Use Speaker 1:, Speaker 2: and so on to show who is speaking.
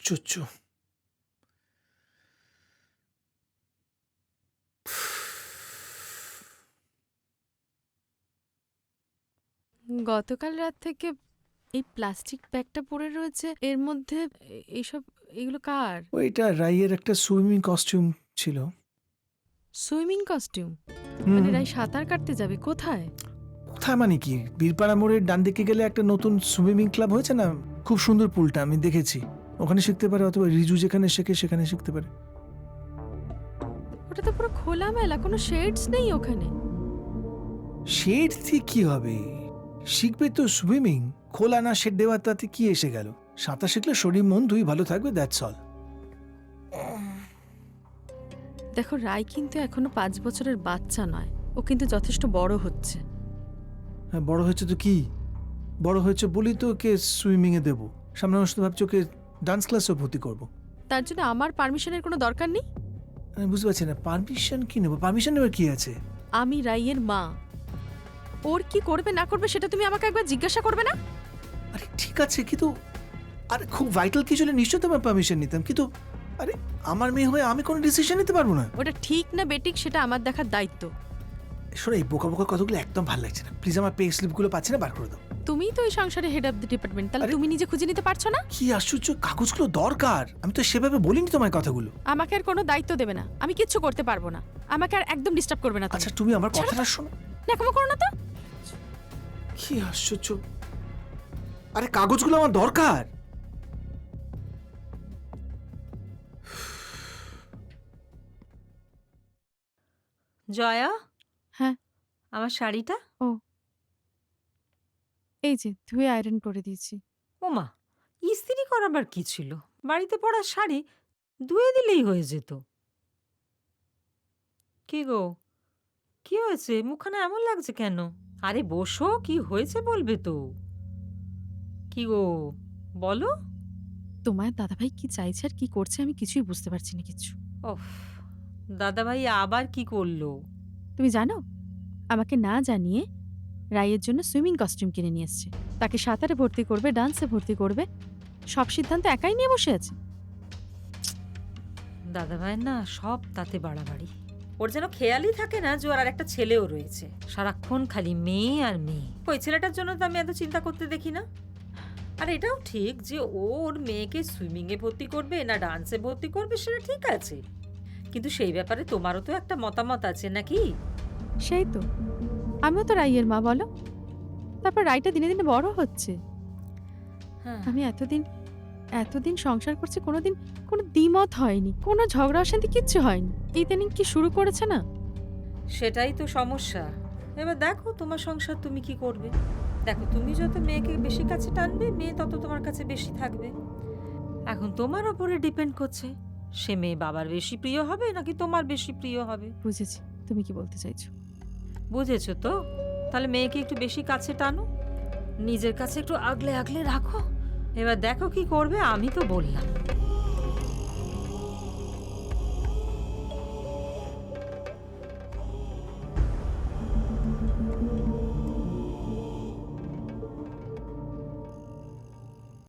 Speaker 1: আশ্চর্য।
Speaker 2: গতকাল রাত থেকে এই প্লাস্টিক ব্যাগটা পড়ে রয়েছে, এর মধ্যে এইসব, এগুলো কার?
Speaker 1: ওইটা রাইয়ের একটা সুইমিং কস্টিউম ছিল।
Speaker 2: Swimming costume?
Speaker 1: হুম,
Speaker 2: মানে রাই সাঁতার কাটতে যাবে কোথায়?
Speaker 1: কোথায় মানে কি, বীরপাড়া মোড়ের ডান দিকে গেলে একটা নতুন সুইমিং ক্লাব হয়েছে না, খুব সুন্দর পুলটা, আমি দেখেছি। ওখানে শিখতে পারে, অথবা রিজু যেখানে শেখে সেখানে শিখতে পারে।
Speaker 2: ওটা তো পুরো খোলামেলা, কোনো শেডস নেই ওখানে।
Speaker 1: শেড দিয়ে কি হবে, শিখবে তো সুইমিং, খোলা না শেড দেওয়া তাতে কি এসে গেল? সাঁতার শিখলে শরীর মন দুই ভালো থাকবে, দ্যাটস অল।
Speaker 2: দেখো, রাই কিন্তু এখনো 5 বছরের বাচ্চা নয়, ও কিন্তু যথেষ্ট বড় হচ্ছে।
Speaker 1: হ্যাঁ, বড় হয়েছে তো কি, বড় হয়েছে বলি তো ওকে সুইমিং এ দেবো। সামনে মাসে তো ভাবছি ওকে ডান্স ক্লাসেও ভর্তি করবো।
Speaker 2: তার জন্য আমার পারমিশনের কোনো দরকার নেই।
Speaker 1: আমি বুঝতে পারছি না, পারমিশন কি নেবো? পারমিশন নেবার কি আছে?
Speaker 2: আমি রাইয়ের মা, ওর কি করবে না করবে সেটা তুমি আমাকে একবার জিজ্ঞাসা করবে না?
Speaker 1: আরে ঠিক আছে, কিন্তু আরে খুব ভাইটাল কিছু হলে নিশ্চয়ই তোমার পারমিশন নিতাম, কিন্তু আরে আমার মেয়ে হয়ে আমি কোনো ডিসিশন নিতে পারবো না।
Speaker 2: ওটা ঠিক না বেঠিক সেটা আমার দেখার দায়িত্ব।
Speaker 1: শোনো, এই বোকা বোকা কথাগুলো একদম ভালো লাগছে না, প্লিজ। আমার পে স্লিপগুলো পাচ্ছি না, বার করে দাও।
Speaker 2: তুমিই তো এই সংসারে হেড অফ দ্য ডিপার্টমেন্ট, তাহলে
Speaker 1: আরে-
Speaker 2: তুমি নিজে খুঁজে নিতে পারছো না?
Speaker 1: কি আশ্চর্য, কাগজগুলো দরকার, আমি তো সেভাবে বলিনি তোমার কথাগুলো।
Speaker 2: আমাকে আর কোনো দায়িত্ব দেবে না, আমি কিচ্ছু করতে পারবো না। আমাকে আর একদম ডিস্টার্ব করবে না।
Speaker 1: আচ্ছা তুমি আমার কথাটা শোনো।
Speaker 2: দেখো করো না তো।
Speaker 1: কি আশ্চর্য, আরে কাগজগুলো আমার দরকার।
Speaker 3: জয়া,
Speaker 2: হ্যাঁ।
Speaker 3: আমার শাড়িটা?
Speaker 2: এই যে ধুয়ে আয়রন করে দিয়েছি।
Speaker 3: ওমা, ইস্ত্রি করাবার কি ছিল? বাড়িতে পরা শাড়ি ধুয়ে দিলেই হয়ে যেত। কি গো, কি হয়েছে? মুখখানা এমন লাগছে কেন? আরে বসো, কি হয়েছে বলবে তো। কি গো, বলো।
Speaker 2: তোমার দাদাভাই কি চাইছে আর কি করছে আমি কিছুই বুঝতে পারছি না কিছু।
Speaker 3: ওফ, দাদাভাই আবার কি করলো?
Speaker 2: তুমি জানো, আমাকে না জানিয়ে রাইয়ের জন্য সুইমিং কস্টিউম কিনে নিয়ে এসছে। তাকে সাঁতারে ভর্তি করবে, ডান্সে ভর্তি করবে, সব সিদ্ধান্ত একাই নিয়ে বসে আছে।
Speaker 3: দাদাভাইয়ের না সব তাতে বাড়াবাড়ি। ওর যেন খেয়ালই থাকে না যে ওর আর একটা ছেলেও রয়েছে। সারাক্ষণ খালি মেয়ে আর মেয়ে। ওই ছেলেটার জন্য তো আমি এত চিন্তা করতে দেখি না। আর এটাও ঠিক যে ও ওর মেয়েকে সুইমিংয়ে ভর্তি করবে না ডান্সে ভর্তি করবে, সেটা ঠিক আছে, কিন্তু সেই ব্যাপারে তোমারও তো একটা মতামত আছে নাকি?
Speaker 2: সেই তো, আমিও তো রাইয়ের মা, বলো। তারপর রাইটা দিনে দিনে বড় হচ্ছে।
Speaker 3: হ্যাঁ,
Speaker 2: আমি এতদিন সংসার করছি, কোনোদিন কোনো দ্বিমত হয়নি, কোনো ঝগড়া অশান্তি কিচ্ছু হয়নি। ইদানিং কি শুরু করেছে না।
Speaker 3: সেটাই তো সমস্যা। এবার দেখো তোমার সংসার তুমি কি করবে। দেখো, তুমি যত মেয়েকে বেশি কাছে টানবে, মেয়ে তত তোমার কাছে বেশি থাকবে। এখন তোমার ওপরে ডিপেন্ড করছে, সে মেয়ে বাবার বেশি প্রিয় হবে নাকি তোমার বেশি প্রিয় হবে।
Speaker 2: বুঝেছি তুমি কি বলতে চাইছো।
Speaker 3: বুঝেছো তো? তাহলে মেয়েকে একটু বেশি কাছে টানো, নিজের কাছে একটু আগলে আগলে রাখো। এবার দেখো কি করবে, আমি তো বললাম।